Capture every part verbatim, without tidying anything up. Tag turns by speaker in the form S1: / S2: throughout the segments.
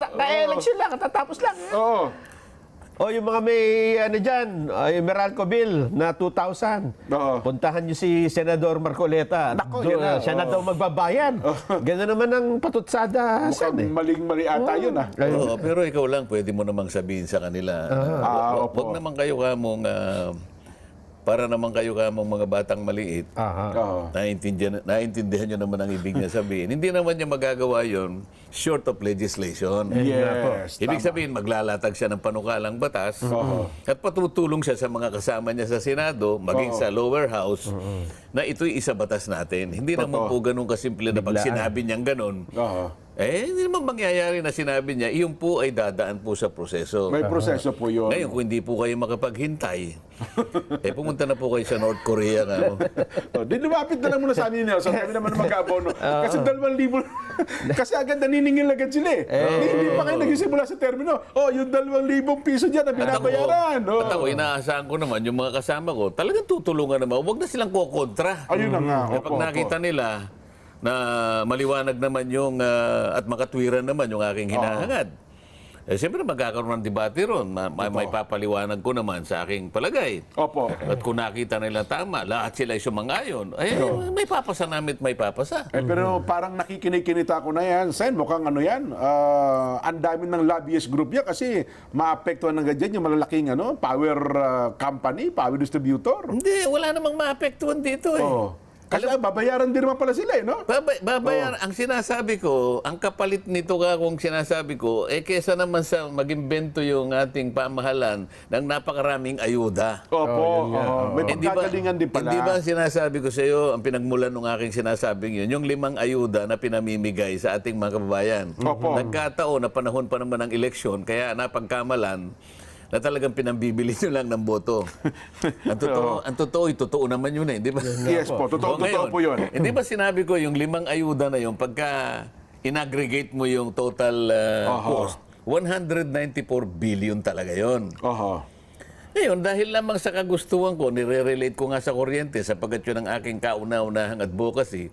S1: ka-election lang, katatapos lang.
S2: Oo.
S1: O yung mga may ano dyan, ay Meralco Bill na two thousand.
S2: Oo.
S1: Puntahan niyo si Senador Marcoleta.
S2: Nako,
S1: Do-
S2: yun na,
S1: siya na
S2: oo.
S1: daw magbabayan. Gano'n naman ang patutsada.
S2: Mukhang maling-mali ata yun, ah.
S3: Oo, pero ikaw lang, pwede mo namang sabihin sa kanila.
S2: Ah,
S3: Wag
S2: opo.
S3: naman kayo kamong, ah, para naman kayo kamong mga batang maliit.
S1: Aha.
S2: Oo.
S3: Naintindihan, naintindihan nyo naman ang ibig niya sabihin. Hindi naman niya magagawa yon short of legislation.
S2: Yes.
S3: Ibig
S2: tama.
S3: sabihin, maglalatag siya ng panukalang batas
S2: Oo.
S3: at patutulong siya sa mga kasama niya sa Senado, maging
S2: Oo.
S3: sa lower house, na ito'y isa batas natin. Hindi naman
S2: Totoo.
S3: po ganun kasimple na pag
S1: Biglaan.
S3: sinabi niyang ganun,
S2: Oo.
S3: eh, hindi naman mangyayari na sinabi niya, iyon po ay dadaan po sa proseso.
S2: May proseso po yun.
S3: Ngayon, kung hindi po kayo makapaghintay, eh pumunta na po kayo sa North Korea. Nga, no?
S2: Oh, di lumapit na lang muna sa amin niya. So kami naman mag-abono. Kasi dalawang libo. Kasi agad naniningil agad sila eh. Hindi, hindi pa kayo nagsisimula sa termino. Oh, yung dalawang libong piso dyan na binabayaran. Oh.
S3: At ako, inaasahan ko naman, yung mga kasama ko, talagang tutulungan naman. Huwag na silang kukontra.
S2: Ayun na nga.
S3: Eh,
S2: Opo,
S3: pag nakita
S2: opo.
S3: nila na maliwanag naman yung, ah, at makatwiran naman yung aking hinahangad, eh, siyempre magkakaroon ng debate ron. Ma- ma- may papaliwanag ko naman sa aking palagay.
S2: Opo.
S3: At kung nakita nila tama, lahat sila ay sumangayon, eh, may papasa namin at may papasa.
S2: Eh, pero parang nakikinig-kinita ko na yan. Sen, mukhang ano yan. ah, ang dami ng lobbyist group yan kasi maapektuhan ng ganyan yung malalaking ano, power ah, company, power distributor.
S3: Hindi, wala namang maapektuhan dito eh.
S2: Oh. Kasi ah, babayaran din naman pala sila eh, no?
S3: Babay, babayar, ang sinasabi ko, ang kapalit nito ka kung sinasabi ko, eh kesa naman sa mag-imbento yung ating pamahalan ng napakaraming ayuda.
S2: Opo. oo. May
S3: Hindi ba,
S2: pagkagalingan din pala.
S3: hindi ba ang sinasabi ko sa iyo, ang pinagmulan ng aking sinasabing yun, yung limang ayuda na pinamimigay sa ating mga kababayan.
S2: Opo.
S3: Nagkataon na panahon pa naman ng eleksyon, kaya napagkamalan, na talagang pinambibili nyo lang ng boto. Ang totoo, ang totoo, totoo naman yun eh, di ba?
S2: Yes po, totoo,
S3: O,
S2: totoo
S3: ngayon,
S2: po yun.
S3: Hindi ba sinabi ko yung limang ayuda na yun, pagka in-aggregate mo yung total uh,
S2: Aha.
S3: cost, one hundred ninety-four billion talaga yon.
S2: Oho.
S3: Ngayon, dahil lamang sa kagustuhan ko, nire-relate ko nga sa kuryente sapagkat yun ang aking kauna-unahang advocacy,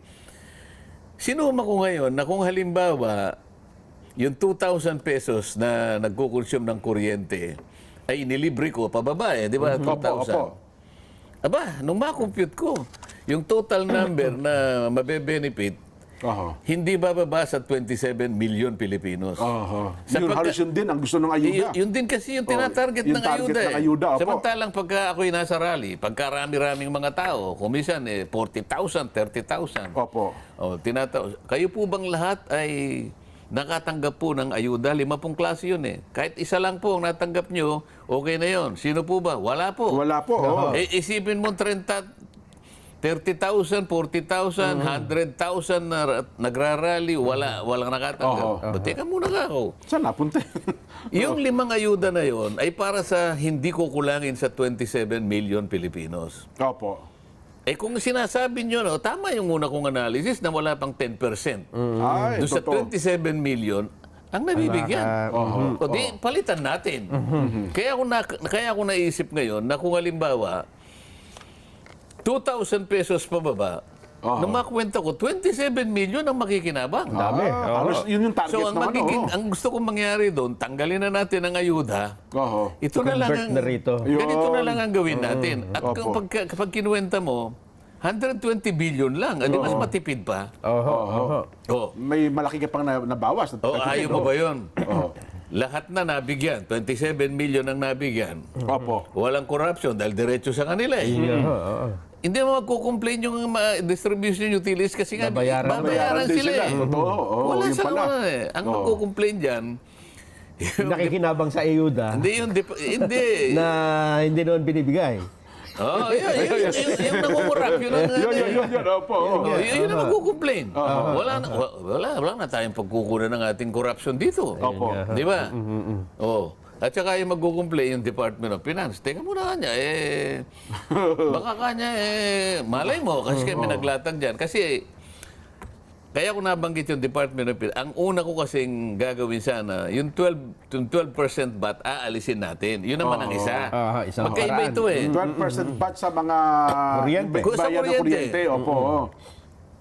S3: sinuma ko ngayon na kung halimbawa, yung two thousand pesos na nagkukonsume ng kuryente, ay inilibre ko pababa eh, di ba? two thousand.
S2: Opo, opo.
S3: Aba, nung ma-compute ko, yung total number na mabe-benefit,
S2: Oho.
S3: hindi bababa sa twenty-seven million Pilipinos.
S2: Oho.
S3: Sa
S2: Yun,
S3: pagka-
S2: halos yun din ang gusto ng ayuda.
S3: Y- yun din kasi yung
S2: Oh,
S3: tinatarget
S2: yung
S3: ng
S2: target
S3: ayuda.
S2: ng
S3: eh.
S2: ayuda, opo.
S3: Samantalang pagka ako'y nasa rally, pagka rami-raming mga tao, kumisan eh, forty thousand, thirty thousand.
S2: Opo.
S3: Oh, tinata- kayo po bang lahat ay nakatanggap po ng ayuda? Lima pong klase yun eh. Kahit isa lang po ang natanggap nyo, okay na yun. Sino po ba? Wala po.
S2: Wala po. oo.
S3: Eh, isipin mo thirty thousand, forty thousand, one hundred thousand na nagrarally, wala, walang nakatanggap.
S2: Oo.
S3: But teka muna ka ako.
S2: Saan napunta?
S3: Yung limang ayuda na yon ay para sa hindi kukulangin sa twenty-seven million Pilipinos.
S2: Opo.
S3: Eh kung sinasabi nyo, no, tama yung una kong analysis na wala pang ten percent.
S2: Ay,
S3: Doon sa
S2: totoo.
S3: twenty-seven million, ang nabibigyan.
S2: Oho.
S3: O di, palitan natin. Kaya ako, na, kaya ako naisip ngayon na kung halimbawa, two thousand pesos pababa,
S2: Oho.
S3: nung makwenta ko, twenty-seven million ang makikinabang.
S1: Dami.
S2: Ah, halos yun yung target
S3: So ang
S2: naman.
S3: magiging,
S2: oo.
S3: ang gusto kong mangyari doon, tanggalin na natin ang ayuda.
S2: Oho.
S3: Ito na lang
S1: Convert
S3: ang,
S1: na rito.
S3: ganito na
S2: Yun.
S3: lang ang gawin natin. At
S2: Opo.
S3: kapag, kapag kinuwenta mo, one hundred twenty billion lang. Adi mas matipid pa.
S1: Oho, oho.
S3: Oh,
S2: May malaki ka pang na, nabawas.
S3: oh ayaw mo ba yun?
S2: Oo.
S3: Lahat na nabigyan. twenty-seven million ang nabigyan.
S2: Opo.
S3: Walang corruption dahil diretso sa kanila eh.
S1: Oho, oho.
S3: Hindi mo magko-complain yung mga distribution utilities kasi nga
S1: Babayaran.
S3: babayaran
S2: din
S3: sila eh.
S2: Totoo. Oo,
S3: Wala
S2: yun
S3: sa
S2: pala.
S3: naman eh. Ang
S2: Oo.
S3: magko-complain dyan, yung,
S1: Nakikinabang sa ayuda
S3: hindi yung, dep- hindi.
S1: na hindi noon binibigay.
S3: Oh, yun, yun, yun, yun, yung nangungurap, yun ang
S2: Yun, yun, yun, yun. Opo. oo.
S3: Oh, yun, yun ang magkukomplain. Wala, na, wa- wala, wala na tayong pagkukunan ng ating corruption dito.
S2: Opo.
S3: Di ba? Oh. At saka yung magkukomplain yung Department of Finance. Teka muna kanya, eh, baka kanya, eh, malay mo, kasi kami naglatag dyan. Kasi, kaya ko nabanggit yung Department of Finance, ang una ko kasing gagawin sana, yung twelve, yung twelve percent bat, aalisin natin. Yun naman ang isa.
S1: Ah, isang
S3: Magkaiba
S1: paraan.
S3: ito eh.
S2: twelve percent bat sa mga
S1: Kuryente.
S2: bayan
S3: Sa
S2: ng
S3: kuryente.
S2: kuryente. Opo. oo.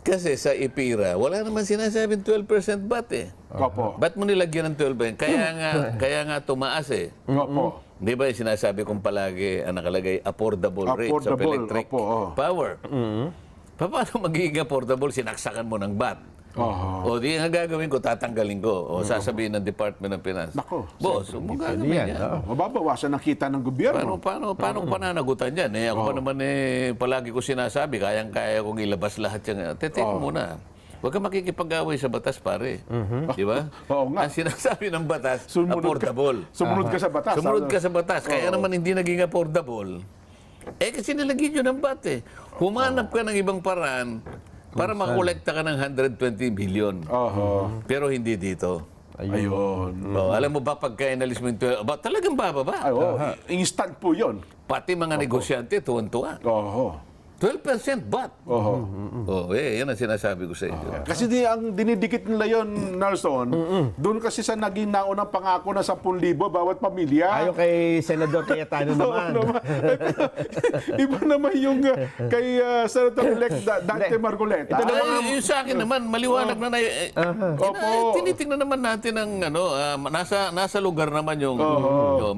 S3: Kasi sa IPIRA, wala naman sinasabing twelve percent B A T eh.
S2: Opo.
S3: Ba't mo nilagyan ng twelve percent? Kaya nga, kaya nga tumaas eh.
S2: Opo.
S3: Di ba yung sinasabi kong palagi ang nakalagay affordable, rates of
S2: Affordable,
S3: electric
S2: opo, oh.
S3: power? Paano magiging affordable? Sinaksakan mo ng B A T.
S2: Oho.
S3: O di nga gagawin ko, tatanggalin ko. O sasabihin ng Department of Finance.
S2: Nako,
S3: Boss, huwag mo gagawin
S1: yan,
S3: yan.
S1: oo.
S2: Mababawasan ang kita ng
S3: Paano,
S2: gobyerno.
S3: paano, paano ko pananagutan yan? Eh, ako pa naman eh, palagi ko sinasabi, kayang-kaya kong ilabas lahat yan. Tete mo muna. Huwag ka makikipag-away sa batas, pare. Di ba?
S2: Oo nga.
S3: Ang sinasabi ng batas,
S2: Sumunod ka-
S3: affordable.
S2: Sumunod ka sa batas.
S3: Sumunod
S2: ano?
S3: ka sa batas. Kaya naman hindi naging affordable. Eh, kasi nilagyan yun ng B A T eh. Humanap ka ng ibang paraan para makolekta ka ng one hundred twenty billion.
S2: Oho.
S3: Pero hindi dito.
S2: Ayun.
S3: Oh, alam mo ba pagka inalis mo yung twelve, ba, talagang bababa.
S2: Ay, oh, instant po yun.
S3: Pati mga negosyante, tuwan-tuwa.
S2: Oho.
S3: twelve percent B A T.
S2: Oho.
S3: Oh, eh, yan ang sinasabi ko sa inyo.
S2: Kasi di, ang dinidikit nila yon, Nelson, doon kasi sa naging naunang pangako na ten thousand bawat pamilya.
S1: Ayon kay Senador Cayetano naman.
S2: Oo naman. Eh, pero, iba naman yung uh, kay uh, Senator-elect Da- Dante Marcoleta.
S1: Ito naman-
S3: Ay, yung sa akin naman, maliwanag na na. Eh,
S2: Opo.
S3: Tinitingnan naman natin ang ano, ah, nasa nasa lugar naman yung, yung